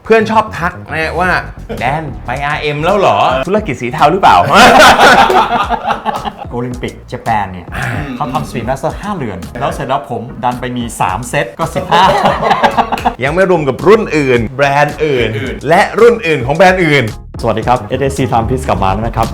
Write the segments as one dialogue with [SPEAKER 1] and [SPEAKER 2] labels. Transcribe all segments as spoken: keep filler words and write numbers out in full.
[SPEAKER 1] เพื่อนชอบทักนะว่าแดนไป อาร์ เอ็ม แล้วเหรอธุรกิจสีเทาหรือเปล่า
[SPEAKER 2] โอลิมปิกญี่ปุ่นเนี่ยเขาทำสปีดมาสเตอร์ห้าเรือนแล้วเสร็จแล้วผมดันไปมีสามเซตก็สิบห้า
[SPEAKER 1] ยังไม่รวมกับรุ่นอื่นแบรนด์อื่นและรุ่นอื่นของแบรนด์อื่น
[SPEAKER 2] สวัสดีครับ เอส เอส ซี Time Piece กลับมาแล้วนะครับ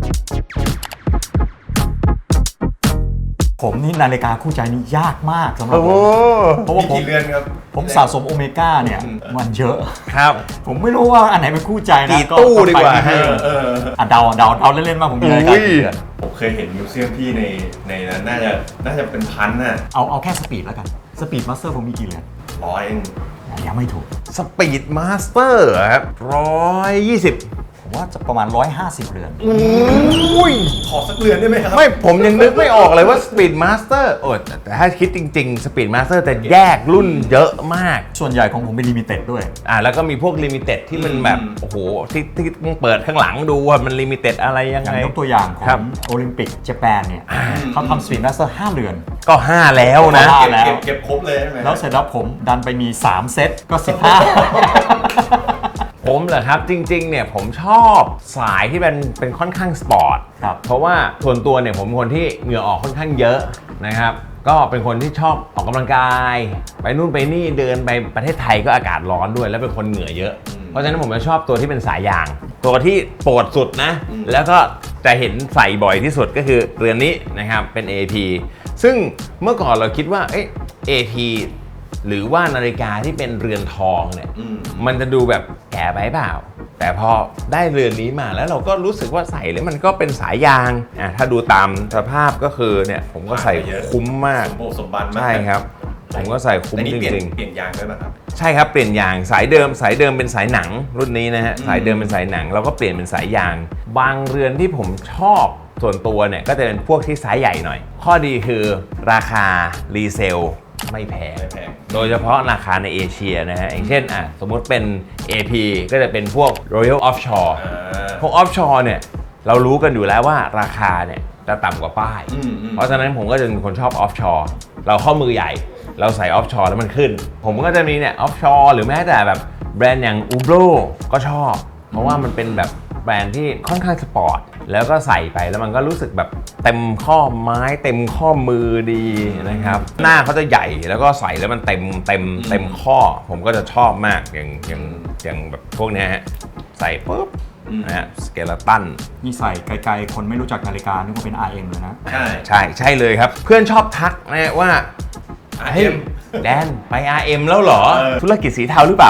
[SPEAKER 2] ผมนี่นาฬิกาคู่ใจนี่ยากมากสำหรับผมเพราะว่าผมผมสะสมโอเมก้าเนี่ยมันเยอะ
[SPEAKER 1] ครับ
[SPEAKER 2] ผมไม่รู้ว่าอันไหนเป็นคู่ใจนะ
[SPEAKER 1] กี่ตู้ดีกว่าฮะ
[SPEAKER 2] อ่ะเดาเดาเดาเล่นๆมาผมมีนาฬิกากี่เรือน
[SPEAKER 3] ผมเคยเห็นมิวเซียมพี่ในในนั้นน่าจะน่าจะเป็นพันน่ะ
[SPEAKER 2] เอาเอาแค่สปีดแล้วกันสปีดมาสเตอร์ผมมีกี่เรือน
[SPEAKER 3] ร้อยเอง
[SPEAKER 2] ยังไม่ถูก
[SPEAKER 1] สปีดมาสเตอร์ครับร้อยยี่สิบ
[SPEAKER 2] ผมว่าจะประมาณหนึ่งร้อยห้าสิบเรือน
[SPEAKER 1] อุ้ย
[SPEAKER 3] ขอสักเรือนได้ไหมครับ
[SPEAKER 1] ไม่ผมยังนึกไม่ออกเลยว่า Speed Master โอ้แต่ถ้าคิดจริงๆ Speed Master แต่แยกรุ่นเยอะมาก
[SPEAKER 2] ส่วนใหญ่ของผมเป็นลิมิเต็ดด้วย
[SPEAKER 1] อ่าแล้วก็มีพวกลิมิเต็ดที่มันแบบโอ้โหที่ที่ต้องเปิดข้างหลังดูว่ามันลิมิเต็ดอะไรยังไง
[SPEAKER 2] ยกตัวอย่างของโอลิมปิกญี่ปุ่นเนี่ยเขาทำ Speed Master ห้าเรือน
[SPEAKER 1] ก็ห้าแล้วนะ
[SPEAKER 3] เก็บเก็บเก็บครบเลยใช่ไหม
[SPEAKER 2] แล้วเสร็จแล้วผมดันไปมีสามเซตก็สิบห้า
[SPEAKER 1] ผมเหรอครับจริงๆเนี่ยผมชอบสายที่เป็นเป็นค่อนข้างสปอร์ตเพราะว่าส่วนตัวเนี่ยผมเป็นคนที่เหงื่อออกค่อนข้างเยอะนะครับก็เป็นคนที่ชอบออกกำลังกายไปนู่นไปนี่เดินไปประเทศไทยก็อากาศร้อนด้วยแล้วเป็นคนเหงื่อเยอะเพราะฉะนั้นผมจะชอบตัวที่เป็นสายยางตัวที่โปรดสุดนะแล้วก็จะเห็นใส่บ่อยที่สุดก็คือเรือนนี้นะครับเป็น เอ พี ซึ่งเมื่อก่อนเราคิดว่าเอ๊ะ เอ พี หรือว่านาฬิกาที่เป็นเรือนทองเนี่ยมันจะดูแบบแก่ไปเปล่าแต่พอได้เรือนนี้มาแล้วเราก็รู้สึกว่าใส่แล้วมันก็เป็นสายยางอ่ะถ้าดูตามสภาพก็คือเนี่ยผมก็ใส่คุ้มมาก
[SPEAKER 3] สมบูรณ์สมบัติมาก
[SPEAKER 1] ใช่ครับผมก็ใส่คุ้มจริง
[SPEAKER 3] ๆเปลี่ยนยางด้วยป่ะครับ
[SPEAKER 1] ใช่ครับเปลี่ยนยางสายเดิมสายเดิมเป็นสายหนังรุ่นนี้นะฮะสายเดิมเป็นสายหนังเราก็เปลี่ยนเป็นสายยางบางเรือนที่ผมชอบส่วนตัวเนี่ยก็จะเป็นพวกที่ไซส์ใหญ่หน่อยข้อดีคือราคารีเซลไม่แพงโดยเฉพาะราคาในเอเชียนะฮะอย่างเช่นอ่ะสมมุติเป็น เอ พี ก็จะเป็นพวก Royal Offshore พวก Offshore เนี่ยเรารู้กันอยู่แล้วว่าราคาเนี่ยจะต่ำกว่าป้ายเพราะฉะนั้นผมก็จะเป็นคนชอบ Offshore เราข้อมือใหญ่เราใส่ Offshore แล้วมันขึ้นผมก็จะมีเนี่ย Offshore หรือแม้แต่แบบแบรนด์อย่าง Hublot ก็ชอบเพราะว่ามันเป็นแบบแบรนด์ที่ค่อนข้างสปอร์ตแล้วก็ใส่ไปแล้วมันก็รู้สึกแบบเต็มข้อไม้เต็มข้อมือดีนะครับหน้าเขาจะใหญ่แล้วก็ใส่แล้วมันเต็มเต็มเต็มข้อผมก็จะชอบมากอย่างอย่างอย่างแบบพวกนี้ฮะใส่ปุ๊บนะฮะสเกเลตัน
[SPEAKER 2] นี่ใส่ไกลๆคนไม่รู้จักนาฬิกานึกว่าเป็น อาร์ เอ็ม เลยนะ
[SPEAKER 1] ใช่ใช่ใช่เลยครับเพื่อนชอบทักนะว่า
[SPEAKER 3] อาร์ เอ็ม
[SPEAKER 1] แดนไป อาร์ เอ็ม แล้วเหรอธุรกิจสีเทาหรือเปล่า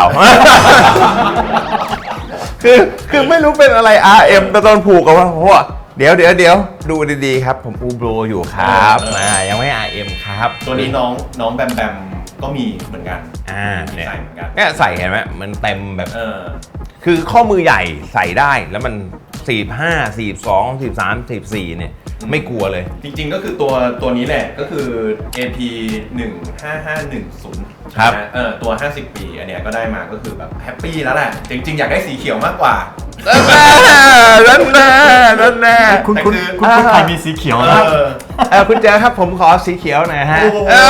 [SPEAKER 1] คือคือไม่รู้เป็นอะไร อาร์ เอ็ม แต่ตอนผูกกับว่าโอ้เดี๋ยวเดี๋ยวเดี๋ยวดูดีๆครับผมอูโบรอยู่ครับอ่ายังไม่ อาร์ เอ็ม ครับ
[SPEAKER 3] ตัวนี้น้องน้องแบมแบมก็มีเหมือนกัน
[SPEAKER 1] อ่า
[SPEAKER 3] ใส่เหมือนกัน
[SPEAKER 1] เนี่ยใส่เห็นไหมมันเต็มแบบเออคือข้อมือใหญ่ใส่ได้แล้วมันสี่สิบห้า สี่สิบสอง สี่สิบสาม สี่สิบสี่เนี่ยไม่กลัวเลย
[SPEAKER 3] จริงๆก็คือตัวตัวนี้แหละก็คือ เอ พี หนึ่งห้าห้าหนึ่งศูนย์
[SPEAKER 1] ครับ
[SPEAKER 3] เออตัวห้าสิบปีอันเนี้ยก็ได้มาก็คือแบบแฮปปี้แล้วแหละจริงๆอยากได้สีเขียวมากกว่า
[SPEAKER 1] นั่นแน่นั่นแน่
[SPEAKER 2] คุณคุณคุณใครมีสีเขียวนะ
[SPEAKER 1] เออคุณเจอครับผมขอสีเขียวหน่อยฮะ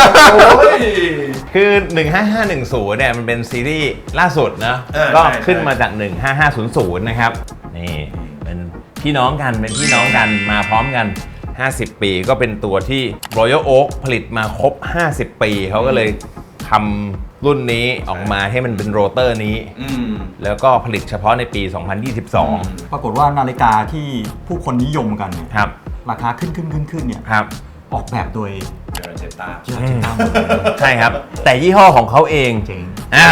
[SPEAKER 1] คือหนึ่งห้าห้าหนึ่งศูนย์เนี่ยมันเป็นซีรีส์ล่าสุดนะก็ขึ้นมาจากหนึ่งห้าห้าศูนย์ศูนย์นะครับนี่เป็นพี่น้องกันเป็นพี่น้องกันมาพร้อมกันห้าสิบปีก็เป็นตัวที่ Royal Oak ผลิตมาครบห้าสิบปีเขาก็เลยทำรุ่นนี้ออกมาให้มันเป็นโรเตอร์นี้แล้วก็ผลิตเฉพาะในปีสองพันยี่สิบสอง
[SPEAKER 2] ปรากฏว่านาฬิกาที่ผู้คนนิยมกันเนี่ย
[SPEAKER 1] ครับ
[SPEAKER 2] ราคาขึ้นขึ้นขึ้นขึ้นเนี่ย
[SPEAKER 1] ครับ
[SPEAKER 2] ออกแบบโดย
[SPEAKER 3] เจอเจตา
[SPEAKER 2] เจอเจตา
[SPEAKER 1] ใช่ครับแต่ยี่ห้อของเขาเอง
[SPEAKER 2] เจ๋ง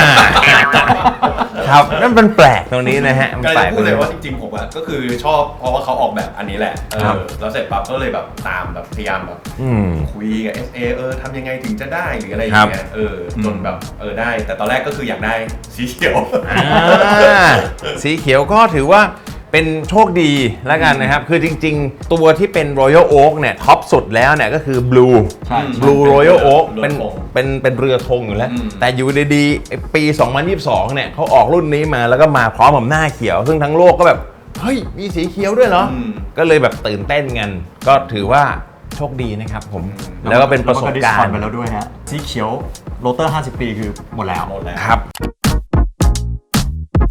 [SPEAKER 1] ครับนั่นเป็นแปลกตรงนี้นะฮะ
[SPEAKER 3] ก็เลยพูดเลยว่าจริงๆผมอะก็คือชอบเพราะว่าเขาออกแบบอันนี้แหละเออแล้วเสร็จปั๊บก็เลยแบบตามแบบพยายามแบบคุยกับ เอส เอ เออทำยังไงถึงจะได้หรืออะไรอย่างเงี้ยเออจนแบบเออได้แต่ตอนแรกก็คืออยากได้สีเขียว
[SPEAKER 1] สีเขียวก็ถือว่าเป็นโชคดีแล้วกันนะครับคือจริงๆตัวที่เป็น Royal Oak เนี่ยท็อปสุดแล้วเนี่ยก็คือ Blue Blue Royal Oak เป็นเป็นเป็นเรือธงอยู่แล้วแต่อยู่ดีๆปีสองพันยี่สิบสองเนี่ยเขาออกรุ่นนี้มาแล้วก็มาพร้อมกับหน้าเขียวซึ่งทั้งโลกก็แบบเฮ้ยมีสีเขียวด้วยเหรอก็เลยแบบตื่นเต้นกันก็ถือว่าโชคดีนะครับผมแล้วก็เป็นประสบการณ์
[SPEAKER 2] ไปแล้วด้วยฮะสีเขียวโรเตอร์ห้าสิบปีคือหมดแล้ว
[SPEAKER 1] ครับ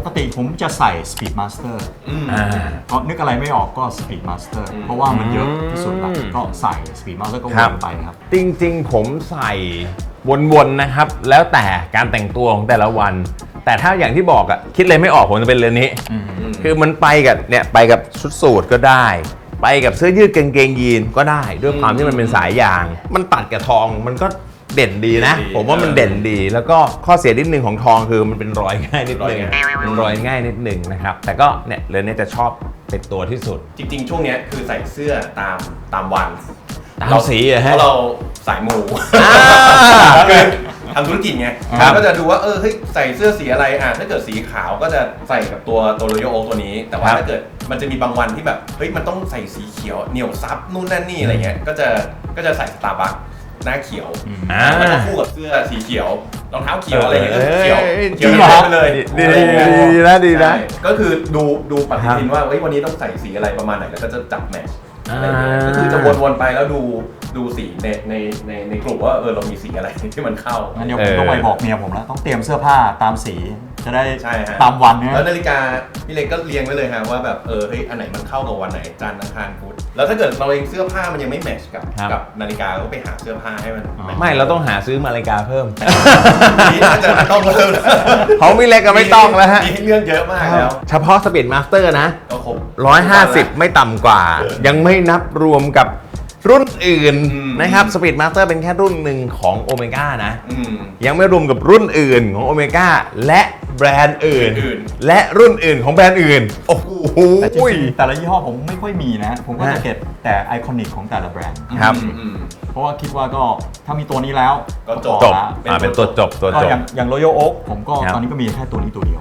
[SPEAKER 2] กติผมจะใส่ Speed Master
[SPEAKER 1] อ่า
[SPEAKER 2] ก็นึกอะไรไม่ออกก็ Speed Master เพราะว่ามันเยอะที่สุดละก็ใส่ Speed Master ก็วนไปครับ
[SPEAKER 1] จริงๆผมใส่วนๆนะครับ แล้วแต่การแต่งตัวของแต่ละวัน แต่ถ้าอย่างที่บอกอะคิดเลยไม่ออกผมจะเป็นเรือนนี้ คือมันไปกับเนี่ยไปกับชุดสูทก็ได้ ไปกับเสื้อยืดกางเกงยีนก็ได้ ด้วยความที่มันเป็นสายยาง มันตัดกับทองมันก็เด่นดีนะ ผมว่ามันเด่นดี แล้วก็ข้อเสียนิดนึงของทองคือมันเป็นรอยง่ายนิดนึงมันรอยง่ายนิดนึงนะครับแต่ก็เนี่ยเรือนนี้จะชอบเป็นตัวที่สุด
[SPEAKER 3] จริงๆ ช่วงเนี้ยคือใส่เสื้อตามตามวัน
[SPEAKER 1] ตามสีอะฮะ
[SPEAKER 3] เพราะเราสายมูคือทำธุรกิจไง
[SPEAKER 1] ครับ
[SPEAKER 3] ก็จะดูว่าเออเฮ้ยใส่เสื้อสีอะไรอ่ะถ้าเกิดสีขาวก็จะใส่กับตัวตัวโรโยโอตัวนี้ แต่ว่าถ้าเกิดมันจะมีบางวันที่แบบเฮ้ยมันต้องใส่สีเขียวเหนียวซับนู่นนั่นนี่อะไรเงี้ยก็จะก็จะใส่สตาร์บัคหน้าเขียว
[SPEAKER 1] อ่า
[SPEAKER 3] แล้วก็คู่กับเสื้อสีเขียวรองเท้าเขียวอะไรเงี้ยก็เขียว
[SPEAKER 1] เอ้ย
[SPEAKER 3] เขียว
[SPEAKER 1] จริงเหรอ
[SPEAKER 3] ไปเลย
[SPEAKER 1] ดีดีดีนะดีนะ
[SPEAKER 3] ใช่ก็คือดูดูปฏิทินว่าเฮ้ยวันนี้ต้องใส่สีอะไรประมาณไหนแล้วก็จะจับแมทช์อะไรเงี้ย
[SPEAKER 1] อ่า
[SPEAKER 3] ก็คือจะวนๆไปแล้วดูดูสีในในในในกลุ่มว่าเออเรามีสีอะไรที่มันเข้า
[SPEAKER 2] งั้นเดี๋ยวผมต้องไปบอกเมียผมแล้วต้องเตรียมเสื้อผ้าตามสีจะได้
[SPEAKER 3] ใช่ฮะ
[SPEAKER 2] ตามวันนะ
[SPEAKER 3] แล้วนาฬิกาพี่เล็กก็เรียงไว้เลยฮะว่าแบบเออเฮ้ยอันไหนมันเข้ากับวันไหนจันทร์อังคารพุธแล้วถ้าเกิดเราเองเสื้อผ้ามันยังไม่แมทช์กับ
[SPEAKER 1] ครับ
[SPEAKER 3] กับนาฬิกาก็ไปหาเสื้อผ้าให้มันแทช์
[SPEAKER 1] ไม่เราต้องหาซื้อนาฬิกาเพิ่ม
[SPEAKER 3] นี่น่าจะต้องเพิ่มนะ
[SPEAKER 1] ของพี่เล็กก็ไม่ต้องแล้วฮะ
[SPEAKER 3] มีให้เรื่องเยอะมากแล้ว
[SPEAKER 1] เฉพาะสปีดมาสเตอร์นะ
[SPEAKER 3] ก็ครบ
[SPEAKER 1] ร้อยห้าสิบไม่ต่ำกว่า ยังไม่นับรวมกับรุ่นอื่น
[SPEAKER 3] อืม
[SPEAKER 1] นะครับสปีดมาสเตอร์เป็นแค่รุ่นหนึ่งของโอเมก้านะ
[SPEAKER 3] อืม
[SPEAKER 1] ยังไม่รวมกับรุ่นอื่นของโอเมก้าและแบรนด์อื่น
[SPEAKER 3] อื่น
[SPEAKER 1] และรุ่นอื่นของแบรนด์อื่น โอ้โห
[SPEAKER 2] แต่จริงๆแต่ละยี่ห้อผมไม่ค่อยมีนะ ผมก็จะ
[SPEAKER 1] ฮะ
[SPEAKER 2] เก็บแต่ไอคอนิกของแต่ละแบรนด์
[SPEAKER 1] ครับ
[SPEAKER 3] อืมอืม
[SPEAKER 2] เพราะว่าคิดว่าก็ถ้ามีตัวนี้แล้ว
[SPEAKER 3] ก็จบ
[SPEAKER 1] จ
[SPEAKER 2] พอบ ละ
[SPEAKER 1] อ่าเป็นตัวจบตัว
[SPEAKER 2] ก็
[SPEAKER 1] จบ
[SPEAKER 2] อย่างอย่าง Royal Oak ผมก็
[SPEAKER 1] ครับ
[SPEAKER 2] ตอนนี้ก็มีแค่ตัวนี้ตัวเดียว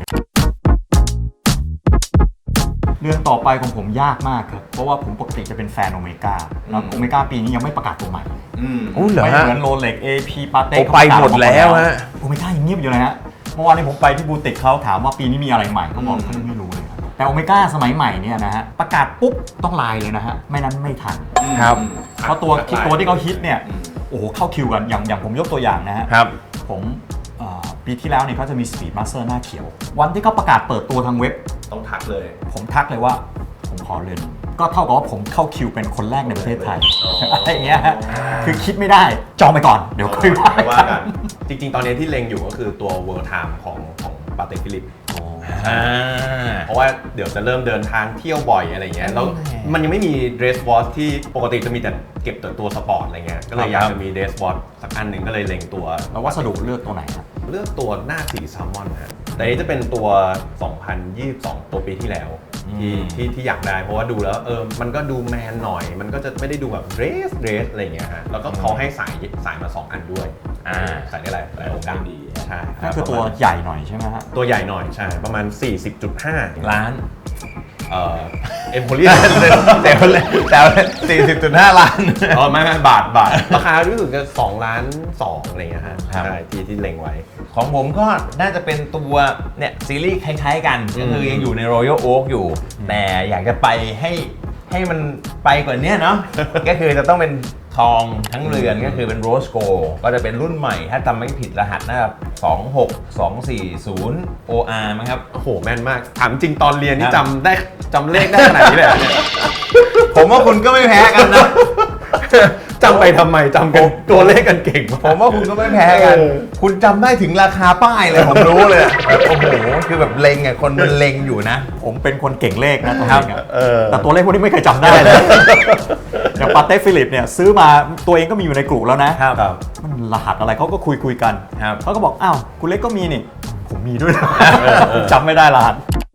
[SPEAKER 2] เรื่องต่อไปของผมยากมากครับ เพราะว่าผมปกติจะเป็นแฟนโอเมก้าแล้วโอเมก้าปีนี้ยังไม่ประกาศตัวใหม่
[SPEAKER 3] อืม
[SPEAKER 1] อู้เหรอ
[SPEAKER 2] ไม่
[SPEAKER 1] ฮะ
[SPEAKER 2] เหมือนโรเล็ก เอ พี ปาเต้
[SPEAKER 1] โอ้ไปหมดแล้วฮะ
[SPEAKER 2] โอเมก้ายังเงียบอยู่เลยฮะ เมื่อวานนี้ผมไปที่บูติกเขาถามว่าปีนี้มีอะไรใหม่เขาบอกเขายังไม่รู้เลยครับแต่โอเมก้าสมัยใหม่เนี่ยนะฮะประกาศปุ๊บต้องไลน์เลยนะฮะไม่นั้นไม่ทัน
[SPEAKER 1] ครับ
[SPEAKER 2] เพราะตัวคิดตัวที่เขาฮิตเนี่ยโอ้โหเข้าคิวกันอย่างอย่างผมยกตัวอย่างนะฮะ
[SPEAKER 1] ครับ
[SPEAKER 2] ผมเอ่อปีที่แล้วเนี่ยเขาจะมี Speed Master หน้าเขียว วันที่เขาประกาศเปิดตัวทางเว็บ
[SPEAKER 3] ต้องทักเลย
[SPEAKER 2] ผมทักเลยว่าผมขอเรือนนี้ก็เท่ากับว่าผมเข้าคิวเป็นคนแรกในประเทศไทย
[SPEAKER 3] อ๋ออ
[SPEAKER 2] อะไรอย่างเงี้ยฮะคือคิดไม่ได้จองไปก่อนเดี๋ยวค่อยว่า
[SPEAKER 3] ว่า
[SPEAKER 2] กั
[SPEAKER 3] กัน น จริงๆ ตอนนี้ที่เล็งอยู่ก็คือตัว World Time ของของปาเต้ฟิลิป
[SPEAKER 1] อ่า
[SPEAKER 3] เพราะว่าเดี๋ยวจะเริ่มเดินทางเที่ยวบ่อยอะไรเงี้ยแล้วมันยังไม่มี dress watch ที่ปกติจะมีแต่เก็บแต่ตัวสปอร์ตอะไรเงี้ยก็เลยอยากจะมี dress watch สักอันหนึ่งก็เลยเล็งตัว
[SPEAKER 2] แล้ววัสดุเลือกตัวไหนครับ
[SPEAKER 3] เลือกตัวหน้าสีแซลมอนฮะแต่อันนี้จะเป็นตัว สองพันยี่สิบสอง ตัวปีที่แล้วที่ที่ที่อยากได้เพราะว่าดูแล้วเออมันก็ดูแมนหน่อย มันก็จะไม่ได้ดูแบบเดรสเดรสอะไรเงี้ยฮะแล้วก็เขาให้สายสายมาสองอันด้วย
[SPEAKER 1] อ่า
[SPEAKER 3] ใส่ได้หลายหลายโอกาสดีใช่รับ
[SPEAKER 2] นั่นคือตัวใหญ่หน่อยใช่ไหมฮะ
[SPEAKER 3] ตัวใหญ่หน่อยใช่ประมาณ สี่สิบจุดห้า
[SPEAKER 1] ล้าน
[SPEAKER 3] เอ่อเอ็มโพเรีย
[SPEAKER 1] แต่แต่สี่สิบจุดห้าล้าน
[SPEAKER 3] อ๋อไม่ไม่บาทบาทราคารู้สึกจะสองล้านสองอะไรเงี้ยฮะ
[SPEAKER 1] ครับ
[SPEAKER 3] ใช่ที่ที่เล็งไว้
[SPEAKER 1] ของผมก็น่าจะเป็นตัวเนี่ยซีรีส์คล้ายๆกัน ก็คือยังอยู่ใน Royal Oak อยู่ แต่อยากจะไปให้ให้มันไปกว่านี้เนาะ ก็คือจะต้องเป็นทองทั้งเรือนก็คือเป็น Rose Gold ก็จะเป็นรุ่นใหม่ ถ้าจำไม่ผิดรหัสนะครับสองหกสองสี่ศูนย์ โอ อาร์ มั้งครับ
[SPEAKER 3] โอ้โหแม่นมาก ถามจริงตอนเรียนนี่
[SPEAKER 1] ครับ
[SPEAKER 3] จำได้จำเลขได้ขนาดนี้เลยเหรอเนี่ย
[SPEAKER 1] ผมว่าคุณก็ไม่แพ้กันนะ
[SPEAKER 3] จำไปทำไมจำกันตัวเลขกันเก่งมาก
[SPEAKER 1] ผมว่าคุณก็ไม่แพ้กัน คุณจำได้ถึงราคาป้ายเลย ผมรู้เลยอะโอ้โห คือแบบเล็งอ่ะ คนมันเล็งอยู่นะ
[SPEAKER 2] ผมเป็นคนเก่งเลขนะตัว
[SPEAKER 1] ครั
[SPEAKER 2] เอบ งอะ
[SPEAKER 3] เออ
[SPEAKER 2] แต่ตัวเลขพวกนี้ไม่เคยจำได้เลยอย่างปาเต้ฟิลิปเนี่ยซื้อมาตัวเองก็มีอยู่ในกลุ่มแล้วนะครับ
[SPEAKER 3] ครับ
[SPEAKER 2] มันรหัสอะไรเขาก็คุยคุยกัน
[SPEAKER 1] ครับ
[SPEAKER 2] เขาก็บอกอ้าวคุณเล็กก็มีนี่ผมมีด้วยนะจำไม่ได้รหัส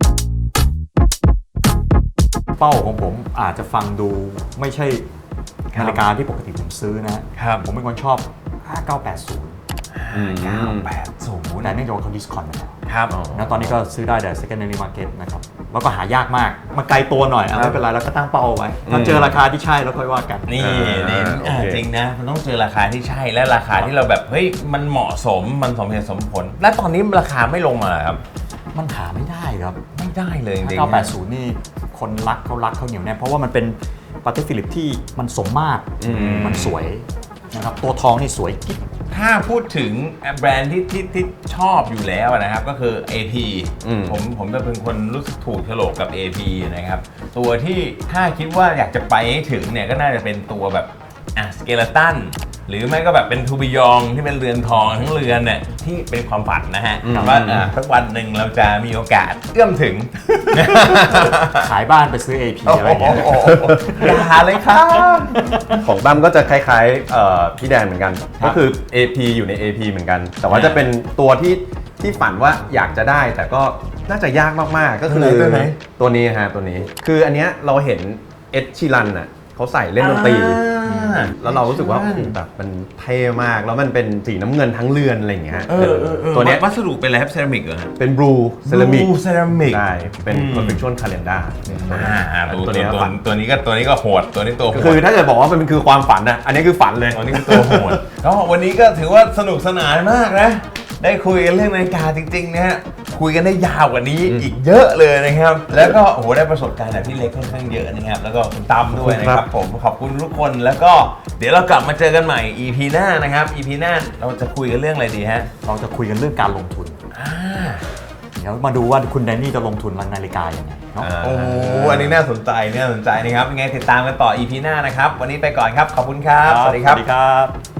[SPEAKER 2] เป้าของผมอาจจะฟังดูไม่ใช่
[SPEAKER 1] ครับ
[SPEAKER 2] นาฬิกาที่ปกติผมซื้อนะครับ ผมเป็นคนชอบ ห้าเก้าแปดศูนย์
[SPEAKER 1] เก้าแปดศูนย์
[SPEAKER 2] แต่เนื่องจากว่าเขาดิสคอนไปแล้ว
[SPEAKER 1] ครับ
[SPEAKER 2] นะตอนนี้ก็ซื้อได้แต่ secondary market นะครับ แล้วก็หายากมาก มาไกลตัวหน่อยอ่ะ
[SPEAKER 1] ครับ
[SPEAKER 2] ไม่เป็นไรเราก็ตั้งเป้าเอาไว้ถ้าเจอราคาที่ใช่แล้วค่อยว่ากัน
[SPEAKER 1] นี่
[SPEAKER 3] อ่า
[SPEAKER 1] นี่
[SPEAKER 3] โอเค
[SPEAKER 1] อ่าจริงนะ มันต้องเจอราคาที่ใช่และราคาที่เราแบบ เฮ้ย มันเหมาะสม มันสมเหตุสมผล และตอนนี้ราคาไม่ลงมาเหรอครับ
[SPEAKER 2] มันหาไม่ได้ครับ
[SPEAKER 1] ไม่ได้เลยจริงๆ
[SPEAKER 2] ห้าเก้าแปดศูนย์นี่คนรักเขารักเขาเหนียวแน่นเพราะว่ามันเป็นปาเต้ฟิลิปที่มันสมมาตร
[SPEAKER 1] อืม
[SPEAKER 2] มันสวยนะครับตัวทองนี่สวยกิ๊บ
[SPEAKER 1] ถ้าพูดถึงแบรนด์ที่ที่ที่ชอบอยู่แล้วนะครับก็คือ เอ พี
[SPEAKER 4] อืม
[SPEAKER 1] ผมผมจะเป็นคนรู้สึกถูกโฉลกกับ เอ พี นะครับตัวที่ถ้าคิดว่าอยากจะไปให้ถึงเนี่ยก็น่าจะเป็นตัวแบบอ่ะสเกเลตันหรือไม่ก็แบบเป็นทูบิยองที่เป็นเรือนทองทั้งเรือนเนี่ยที่เป็นความฝันนะฮะ
[SPEAKER 4] อืม
[SPEAKER 1] ว่าอ่ะสักวันหนึ่งเราจะมีโอกาสเอื้อมถึง
[SPEAKER 2] ขายบ้านไปซื้อ เอ พี อะไรอย่างเงี้ย
[SPEAKER 1] อย่าเลยครับ
[SPEAKER 4] ของตั้มก็จะคล้ายๆเอ่อพี่แดนเหมือนกัน ก็คือ เอ พี อยู่ใน เอ พี เหมือนกัน แต่ว่าจะเป็นตัวที่ที่ฝันว่าอยากจะได้ แต่ก็น่าจะยากมากๆ ก็คือ
[SPEAKER 1] ตัวไหน
[SPEAKER 4] ตัวนี้ฮะตัวนี้ คืออันเนี้ยเราเห็นเอ็ดชีรันน่ะเขาใส่เล่นดนตรี
[SPEAKER 1] อ่า
[SPEAKER 4] แล้วเรารู้สึกว่าโอ้โหแบบมันเท่มาก แล้วมันเป็นสีน้ำเงินทั้งเรือนอะไรอย่างเงี้ย
[SPEAKER 1] เออเออเออ
[SPEAKER 4] ตัวเนี้ย
[SPEAKER 1] วัสดุเป็นอะไรครับเซรามิกเหรอฮะ
[SPEAKER 4] เป็นบลูเซรามิก
[SPEAKER 1] Blue ceramic
[SPEAKER 4] ใช่เป็น
[SPEAKER 1] อืม
[SPEAKER 4] perfection calendar
[SPEAKER 1] อ่าตัว
[SPEAKER 4] ตัว
[SPEAKER 1] นี้
[SPEAKER 4] เนี้ย
[SPEAKER 1] ตัว
[SPEAKER 4] ฝัน
[SPEAKER 1] ตัวนี้ก็ตัวนี้ก็โหดตัวนี้ตัวโห
[SPEAKER 4] ก็
[SPEAKER 1] ด
[SPEAKER 4] คือถ้าเกิดบอกว่ามันคือความฝันนะอันนี้คือฝันเลย
[SPEAKER 1] ตัวนี้คือตัวโหด ก็วันนี้ก็ถือว่าสนุกสนานมากนะ ได้คุยกันเรื่องนาฬิกาจริงๆนะฮะคุยกันได้ยาวกว่านี้อีกเยอะเลยนะครับ แล้วก็โอ้โหได้ประสบการณ์แบบพี่เล็กค่อนข้างเยอะนะครับแล้วก็คุณตั้มด้วยนะครับ ผมขอบคุณทุกคนแล้วก็เดี๋ยวเรากลับมาเจอกันใหม่ อี พี หน้านะครับ อี พี หน้าเราจะคุยกันเรื่องอะไรดีฮะ
[SPEAKER 2] เราจะคุยกันเรื่องการลงทุน
[SPEAKER 1] อ่า
[SPEAKER 2] เดี๋ยวมาดูว่าคุณแดนนี่จะลงทุนนาฬิกายังไงเนาะ
[SPEAKER 1] โอ้โหอันนี้น่าสนใจน่าสนใจนะครับยังไงติดตามกันต่อ อี พี หน้านะครับวันนี้ไปก่อนครับขอบคุณครับ สวัสดีครับ
[SPEAKER 2] สวัสดีครับ